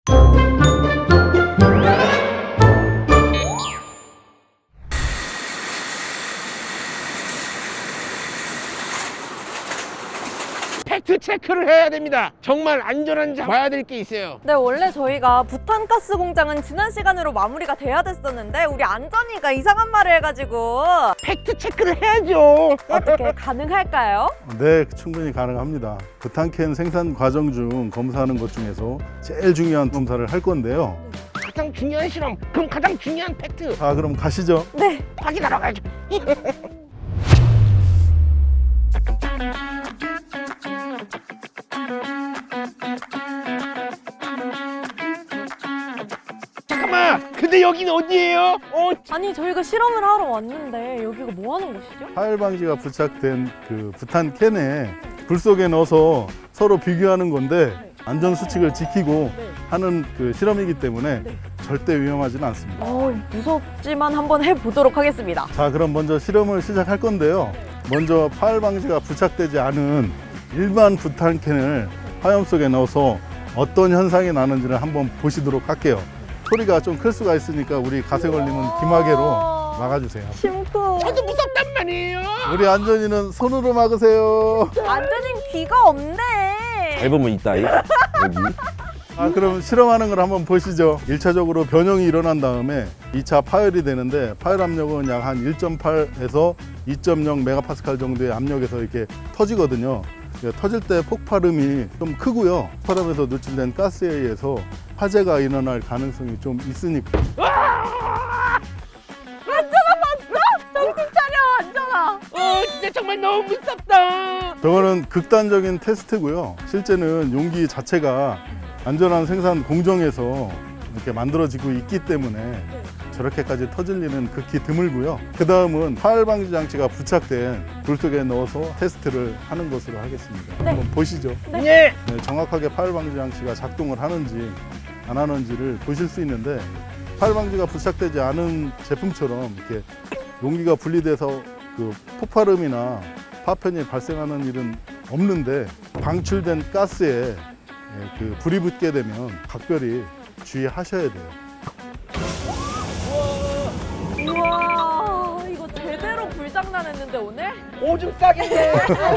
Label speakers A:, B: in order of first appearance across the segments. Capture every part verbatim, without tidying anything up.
A: 팩트 체크를 해야 됩니다. 정말 안전한지 봐야 될 게 있어요.
B: 네, 원래 저희가 부탄가스 공장은 지난 시간으로 마무리가 돼야 됐었는데 우리 안전이가 이상한 말을 해가지고
A: 팩트 체크를 해야죠.
B: 어떻게 가능할까요?
C: 네, 충분히 가능합니다. 부탄캔 생산 과정 중 검사하는 것 중에서 제일 중요한 검사를 할 건데요.
A: 가장 중요한 실험, 그럼 가장 중요한 팩트
C: 자, 그럼 가시죠.
B: 네.
A: 확인하러 가야죠. 잠깐만, 근데 여기는 어디예요? 어,
B: 아니 저희가 실험을 하러 왔는데 여기가 뭐 하는 곳이죠?
C: 파열 방지가 부착된 그 부탄캔에 불 속에 넣어서 서로 비교하는 건데 안전 수칙을 지키고 하는 그 실험이기 때문에 절대 위험하지는 않습니다.
B: 어, 무섭지만 한번 해보도록 하겠습니다.
C: 자, 그럼 먼저 실험을 시작할 건데요. 먼저 파열 방지가 부착되지 않은 일반 부탄캔을 화염 속에 넣어서 어떤 현상이 나는지를 한번 보시도록 할게요. 소리가 좀 클 수가 있으니까 우리 가세 걸리면 귀마개로 막아주세요.
B: 심쿵.
A: 저도 무섭단 말이에요.
C: 우리 안전이는 손으로 막으세요.
B: 안전인 귀가 없네.
D: 앨범은 있다 이 여기.
C: 아, 그럼 실험하는 걸 한번 보시죠. 일 차적으로 변형이 일어난 다음에 이 차 파열이 되는데 파열 압력은 약 한 일 점 팔에서 이 점 영 메가파스칼 정도의 압력에서 이렇게 터지거든요. 터질 때 폭발음이 좀 크고요. 폭발음에서 누출된 가스에 의해서 화재가 일어날 가능성이 좀 있으니까.
B: 안전아 봤어? 정신 차려 안전아.
A: 어, 진짜 정말 너무 무섭다.
C: 저거는 극단적인 테스트고요. 실제는 용기 자체가 안전한 생산 공정에서 이렇게 만들어지고 있기 때문에 저렇게까지 터질 일은 극히 드물고요. 그 다음은 파열 방지 장치가 부착된 불 속에 넣어서 테스트를 하는 것으로 하겠습니다.
B: 네.
C: 한번 보시죠.
A: 네.
C: 네, 정확하게 파열 방지 장치가 작동을 하는지 안 하는지를 보실 수 있는데 파열 방지가 부착되지 않은 제품처럼 이렇게 용기가 분리돼서 그 폭발음이나 파편이 발생하는 일은 없는데 방출된 가스에 예, 그 불이 붙게 되면 각별히 주의하셔야 돼요.
B: 우와 이거 제대로 불장난했는데 오늘?
A: 오줌 싸겠네.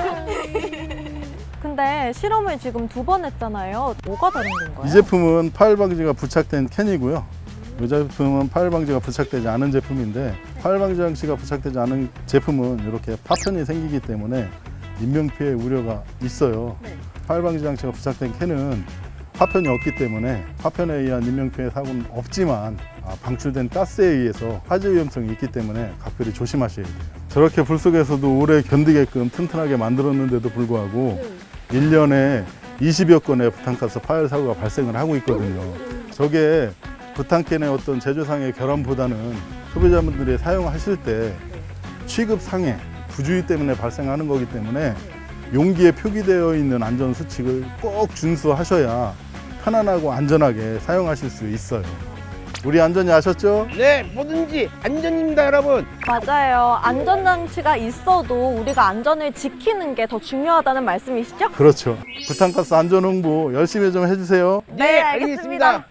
B: 근데 실험을 지금 두 번 했잖아요. 뭐가 다른 건가요?
C: 이 제품은 파열 방지가 부착된 캔이고요. 이 제품은 파열 방지가 부착되지 않은 제품인데 파열 방지 장치가 부착되지 않은 제품은 이렇게 파편이 생기기 때문에 인명피해 우려가 있어요.
B: 네.
C: 파열 방지 장치가 부착된 캔은 파편이 없기 때문에 파편에 의한 인명피해 사고는 없지만 아, 방출된 가스에 의해서 화재 위험성이 있기 때문에 각별히 조심하셔야 돼요. 저렇게 불 속에서도 오래 견디게끔 튼튼하게 만들었는데도 불구하고 일 년에 이십여 건의 부탄가스 파열 사고가 발생을 하고 있거든요. 저게 부탄캔의 어떤 제조상의 결함보다는 소비자분들이 사용하실 때 취급상해, 부주의 때문에 발생하는 거기 때문에 용기에 표기되어 있는 안전 수칙을 꼭 준수하셔야 편안하고 안전하게 사용하실 수 있어요. 우리 안전히 아셨죠?
A: 네, 뭐든지 안전입니다, 여러분.
B: 맞아요. 안전장치가 있어도 우리가 안전을 지키는 게 더 중요하다는 말씀이시죠?
C: 그렇죠. 부탄가스 안전 홍보 열심히 좀 해주세요.
A: 네, 알겠습니다.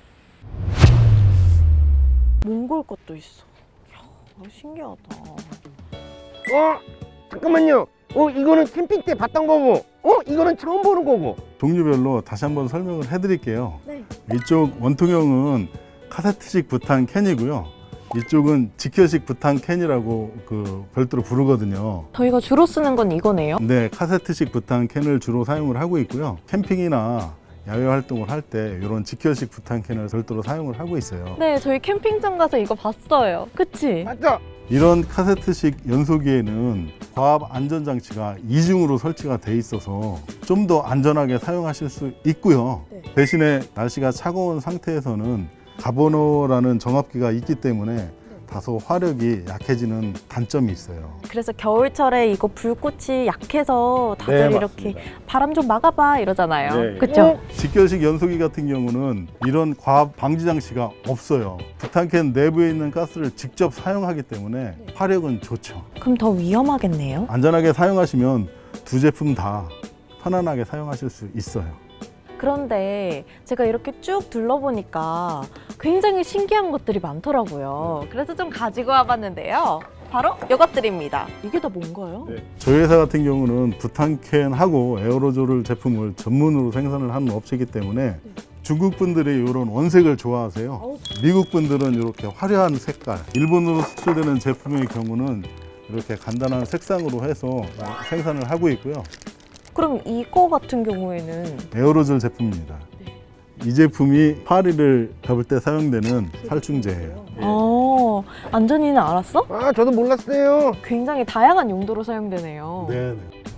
B: 몽골 것도 있어. 이야, 신기하다.
A: 어, 잠깐만요. 어, 이거는 캠핑 때 봤던 거고, 어, 이거는 처음 보는 거고.
C: 종류별로 다시 한번 설명을 해드릴게요.
B: 네.
C: 이쪽 원통형은 카세트식 부탄 캔이고요. 이쪽은 직혀식 부탄 캔이라고 그 별도로 부르거든요.
B: 저희가 주로 쓰는 건 이거네요.
C: 네, 카세트식 부탄 캔을 주로 사용을 하고 있고요. 캠핑이나 야외 활동을 할 때 이런 직혀식 부탄 캔을 별도로 사용을 하고 있어요.
B: 네, 저희 캠핑장 가서 이거 봤어요. 그치?
A: 맞죠?
C: 이런 카세트식 연소기에는 과압 안전장치가 이중으로 설치가 돼 있어서 좀 더 안전하게 사용하실 수 있고요.
B: 네.
C: 대신에 날씨가 차가운 상태에서는 가버너라는 정압기가 있기 때문에 다소 화력이 약해지는 단점이 있어요.
B: 그래서 겨울철에 이거 불꽃이 약해서 다들
C: 네,
B: 이렇게
C: 맞습니다.
B: 바람 좀 막아봐 이러잖아요.
C: 네.
B: 그쵸?
C: 직결식 연소기 같은 경우는 이런 과압 방지 장치가 없어요. 부탄캔 내부에 있는 가스를 직접 사용하기 때문에 화력은 좋죠.
B: 그럼 더 위험하겠네요.
C: 안전하게 사용하시면 두 제품 다 편안하게 사용하실 수 있어요.
B: 그런데 제가 이렇게 쭉 둘러보니까 굉장히 신기한 것들이 많더라고요. 그래서 좀 가지고 와봤는데요. 바로 이것들입니다. 이게 다 뭔가요?
C: 저희 회사 같은 경우는 부탄캔하고 에어로졸 제품을 전문으로 생산을 하는 업체이기 때문에 중국 분들이 이런 원색을 좋아하세요. 미국 분들은 이렇게 화려한 색깔, 일본으로 수출되는 제품의 경우는 이렇게 간단한 색상으로 해서 생산을 하고 있고요.
B: 그럼 이거 같은 경우에는
C: 에어로졸 제품입니다. 이 제품이 파리를 잡을 때 사용되는 살충제예요.
B: 어, 안전이는 알았어?
A: 아, 저도 몰랐어요.
B: 굉장히 다양한 용도로 사용되네요.
C: 네.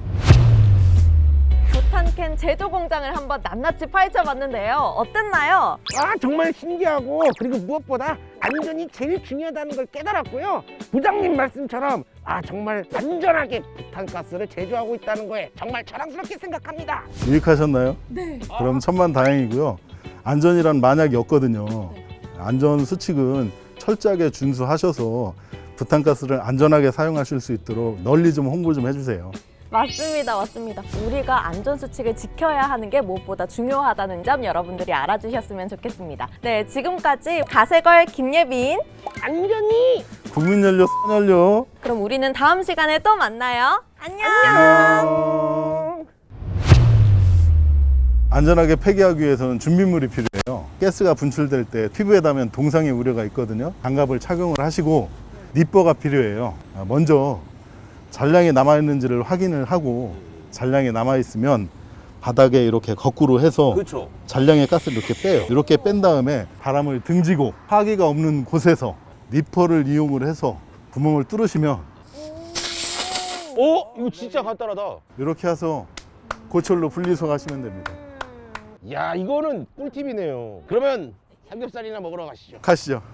B: 부탄캔 제조 공장을 한번 낱낱이 파헤쳐봤는데요. 어땠나요?
A: 아, 정말 신기하고 그리고 무엇보다 안전이 제일 중요하다는 걸 깨달았고요. 부장님 말씀처럼 아, 정말 안전하게 부탄가스를 제조하고 있다는 거에 정말 자랑스럽게 생각합니다.
C: 유익하셨나요?
B: 네.
C: 그럼 천만 다행이고요. 안전이란 만약이 없거든요. 안전 수칙은 철저하게 준수하셔서 부탄가스를 안전하게 사용하실 수 있도록 널리 좀 홍보 좀 해주세요.
B: 맞습니다, 맞습니다. 우리가 안전수칙을 지켜야 하는 게 무엇보다 중요하다는 점 여러분들이 알아주셨으면 좋겠습니다. 네, 지금까지 가세걸 김예빈.
A: 안전이
C: 국민연료 선연료.
B: 그럼 우리는 다음 시간에 또 만나요. 안녕.
A: 안녕.
C: 안전하게 폐기하기 위해서는 준비물이 필요해요. 가스가 분출될 때 피부에 닿으면 동상의 우려가 있거든요. 장갑을 착용을 하시고 니퍼가 필요해요. 아, 먼저 잔량이 남아있는지를 확인을 하고 잔량이 남아있으면 바닥에 이렇게 거꾸로 해서
D: 그렇죠.
C: 잔량의 가스를 이렇게 빼요. 이렇게 뺀 다음에 바람을 등지고 파기가 없는 곳에서 니퍼를 이용을 해서 구멍을 뚫으시면
D: 어? 이거 진짜 간단하다.
C: 이렇게 해서 고철로 분리수거하시면 됩니다.
A: 야, 이거는 꿀팁이네요. 그러면 삼겹살이나 먹으러 가시죠.
C: 가시죠.